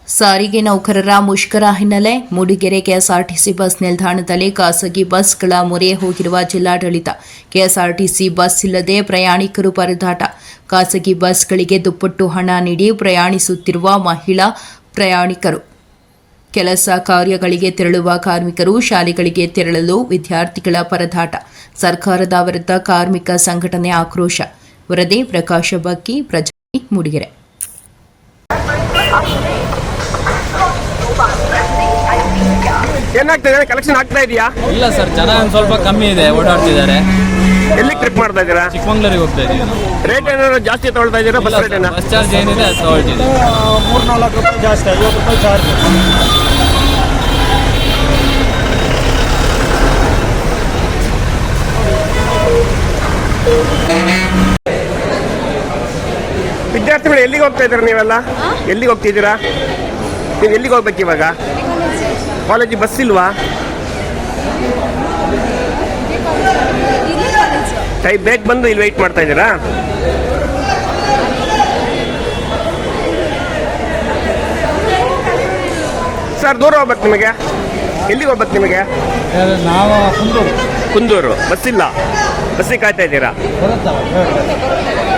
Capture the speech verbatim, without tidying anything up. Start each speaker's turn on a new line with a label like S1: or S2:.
S1: ಸಾರಿಗೆ ನೌಕರರ ಮುಷ್ಕರ ಹಿನ್ನೆಲೆ ಮೂಡಿಗೆರೆ ಕೆಎಸ್ಆರ್ಟಿಸಿ ಬಸ್ ನಿಲ್ದಾಣದಲ್ಲಿ ಖಾಸಗಿ ಬಸ್ಗಳ ಮೊರೆ ಹೋಗಿರುವ ಜಿಲ್ಲಾಡಳಿತ. ಕೆಎಸ್ಆರ್ಟಿಸಿ ಬಸ್ ಇಲ್ಲದೆ ಪ್ರಯಾಣಿಕರು ಪರದಾಟ. ಖಾಸಗಿ ಬಸ್ಗಳಿಗೆ ದುಪ್ಪಟ್ಟು ಹಣ ನೀಡಿ ಪ್ರಯಾಣಿಸುತ್ತಿರುವ ಮಹಿಳಾ ಪ್ರಯಾಣಿಕರು. ಕೆಲಸ ಕಾರ್ಯಗಳಿಗೆ ತೆರಳುವ ಕಾರ್ಮಿಕರು, ಶಾಲೆಗಳಿಗೆ ತೆರಳಲು ವಿದ್ಯಾರ್ಥಿಗಳ ಪರದಾಟ. ಸರ್ಕಾರದ ವಿರುದ್ಧ ಕಾರ್ಮಿಕ ಸಂಘಟನೆ ಆಕ್ರೋಶ. ವರದಿ ಪ್ರಕಾಶ ಬಕ್ಕಿ, ಪ್ರಜಾ ಮೂಡಿಗೆರೆ.
S2: ಏನಾಗ್ತಾ ಇದೆ? ಕಲೆಕ್ಷನ್ ಆಗ್ತಾ ಇದೆಯಾ?
S3: ಇಲ್ಲ ಸರ್, ಜನ ಒಂದು ಸ್ವಲ್ಪ ಕಮ್ಮಿ ಇದೆ, ಓಡಾಡ್ತಿದ್ದಾರೆ.
S2: ಎಲ್ಲಿ ಟ್ರಿಪ್ ಮಾಡ್ತಾ ಇದ್ದೀರಾ?
S3: ಚಿಕ್ಕಮಂಗ್ಳೂರಿಗೆ ಹೋಗ್ತಾ ಇದ್ದೀವಿ ನಾವು.
S2: ರೇಟ್ ಏನಾದ್ರು ಜಾಸ್ತಿ ತಗೊಳ್ತಾ ಇದ್ದೀರಾ? ಬಸ್ ರೇಟ್ ಏನ?
S3: ಬಸ್ ಚಾರ್ಜ್ ಏನಿದೆ ಅದು ತಗೊಳ್ತಿದ್ದೀವಿ.
S4: ಮೂರ್ನಾಲ್ಕು ರೂಪಾಯಿ ಜಾಸ್ತಿ, ಐವತ್ತು ರೂಪಾಯಿ ಚಾರ್ಜ್.
S2: ವಿದ್ಯಾರ್ಥಿಗಳು ಎಲ್ಲಿಗೆ ಹೋಗ್ತಾ ಇದ್ದೀರಾ? ನೀವೆಲ್ಲ ಎಲ್ಲಿಗೆ ಹೋಗ್ತಿದ್ದೀರಾ? ನೀವು ಎಲ್ಲಿಗೆ ಹೋಗ್ಬೇಕು ಇವಾಗ? ಕಾಲೇಜಿಗೆ ಬಸ್ ಇಲ್ವಾ? ಟೈ ಬೇಗ ಬಂದು ಇಲ್ಲಿ ವೆಯ್ಟ್ ಮಾಡ್ತಾ ಇದ್ದೀರಾ? ಸರ್, ದೂರ ಹೋಗ್ಬೇಕು ನಿಮಗೆ? ಎಲ್ಲಿಗೆ ಹೋಗ್ಬೇಕು ನಿಮಗೆ?
S4: ನಾವು ಕುಂದೂರು
S2: ಕುಂದೂರು. ಬಸ್ ಇಲ್ಲ, ಬಸ್ಸಿಗೆ ಕಾಯ್ತಾ ಇದ್ದೀರಾ?
S4: ಬರುತ್ತಲ್ಲ.